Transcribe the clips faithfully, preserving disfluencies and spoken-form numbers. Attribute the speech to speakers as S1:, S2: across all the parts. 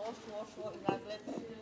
S1: szło, szło i nagle...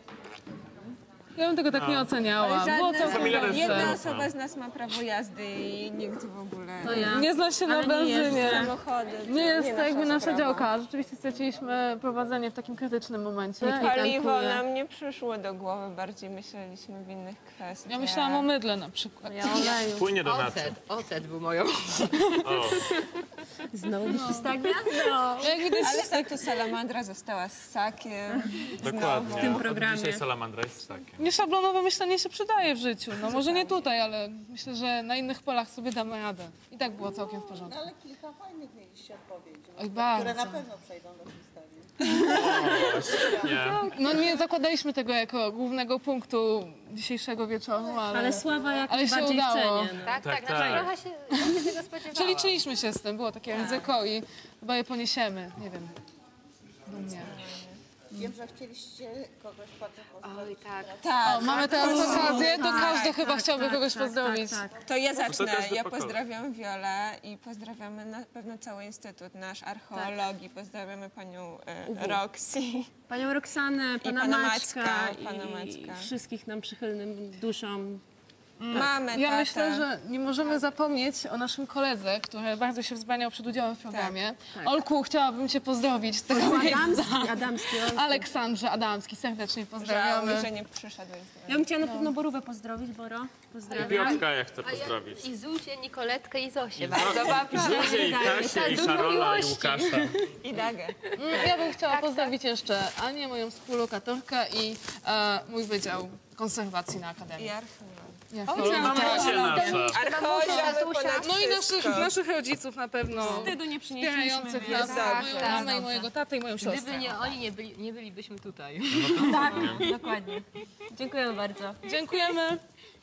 S2: Ja bym tego tak nie oceniała. Było całkiem dobrze.
S3: Jedna osoba z nas ma prawo jazdy i nikt w ogóle
S4: To ja.
S2: Nie zna się na benzynie.
S3: samochody.
S2: Nie jest to jakby nasza
S3: sprawa.
S2: działka. Rzeczywiście straciliśmy prowadzenie w takim krytycznym momencie. I
S3: Paliwo
S2: tankuję.
S3: nam nie przyszło do głowy, bardziej myśleliśmy w innych kwestiach.
S2: Ja myślałam o mydle na przykład.
S4: Ja oleju.
S5: Płynie do naczy.
S4: Ocet, ocet był moją.
S5: O,
S4: Znowu mi szósta gwiazda.
S2: Jak widać,
S3: Ale tak tu salamandra została z ssakiem.
S5: dokładnie.
S4: W tym
S5: Od
S4: programie.
S5: Dzisiaj salamandra jest z takiem.
S2: nieszablonowe myślenie się przydaje w życiu. No może nie tutaj, ale myślę, że na innych polach sobie damy radę. I tak było całkiem w porządku.
S1: Ale kilka fajnych mieliście odpowiedzi, no,
S2: Oj,
S1: które
S2: bardzo.
S1: na pewno przejdą do historii.
S5: Nie.
S2: No nie zakładaliśmy tego jako głównego punktu dzisiejszego wieczoru, ale...
S4: Ale sława jak
S2: Ale się
S4: bardziej
S2: udało.
S4: w cenie. No.
S6: Tak,
S5: Tak,
S6: tak,
S5: tak.
S6: znaczy trochę się, ja się tego spodziewałam.
S2: Przeliczyliśmy się z tym, było takie ryzyko i chyba je poniesiemy, nie wiem. Dumnie.
S1: Wiem, że chcieliście kogoś bardzo pozdrowić.
S6: Oj, tak.
S3: Tak,
S2: O, mamy teraz okazję, to każdy chyba
S4: tak,
S2: chciałby
S4: tak,
S2: kogoś
S4: tak,
S2: pozdrowić.
S4: Tak, tak.
S3: to ja
S5: to
S3: zacznę.
S5: każdy
S3: Ja
S5: po kolei.
S3: pozdrawiam Wiolę i pozdrawiamy na pewno cały Instytut nasz archeologii. Pozdrawiamy panią e, Roxy.
S4: Panią Roxanę, pana,
S3: pana
S4: Maćka,
S3: Maćka, pana
S4: i
S3: Maćka.
S4: wszystkich nam przychylnym duszom.
S3: Mamy
S2: Ja
S3: tatę.
S2: myślę, że nie możemy zapomnieć o naszym koledze, który bardzo się wzbraniał przed udziałem w programie. Olku, chciałabym cię pozdrowić z tego miejsca.
S4: Adamski, Adamski.
S2: Aleksandrze Adamski, serdecznie pozdrawiamy.
S3: Żałuję, że nie przyszedłeś.
S4: Ja bym chciała na pewno Borówę pozdrowić, Boro. Pozdrawiam.
S5: Piotrka ja chcę
S6: A ja
S5: pozdrowić.
S6: i Zuzię, Nikoletkę i Zosię. Bardzo babcię.
S5: Zuzię i Kasię i
S6: Dużo
S5: Karola i
S6: miłości.
S5: Łukasza.
S3: I Dagę.
S2: Mm, Ja bym chciała pozdrowić jeszcze Anię, moją współlokatorkę i e, mój wydział konserwacji na Akademii.
S3: I archeolog.
S2: Ja
S5: Mamusie nasza.
S3: Archeolog ponad
S2: No i naszych,
S3: wszystko.
S2: naszych rodziców na pewno
S4: Wstydu nie przynieśliśmy.
S2: wspierających
S4: więc-
S2: nas,
S3: Tak,
S2: moją
S3: tak.
S2: mamę i mojego tatę i moją siostrę.
S6: Gdyby nie oni, nie, byli, nie bylibyśmy tutaj.
S4: Tak, dokładnie. Dziękujemy bardzo.
S2: Dziękujemy.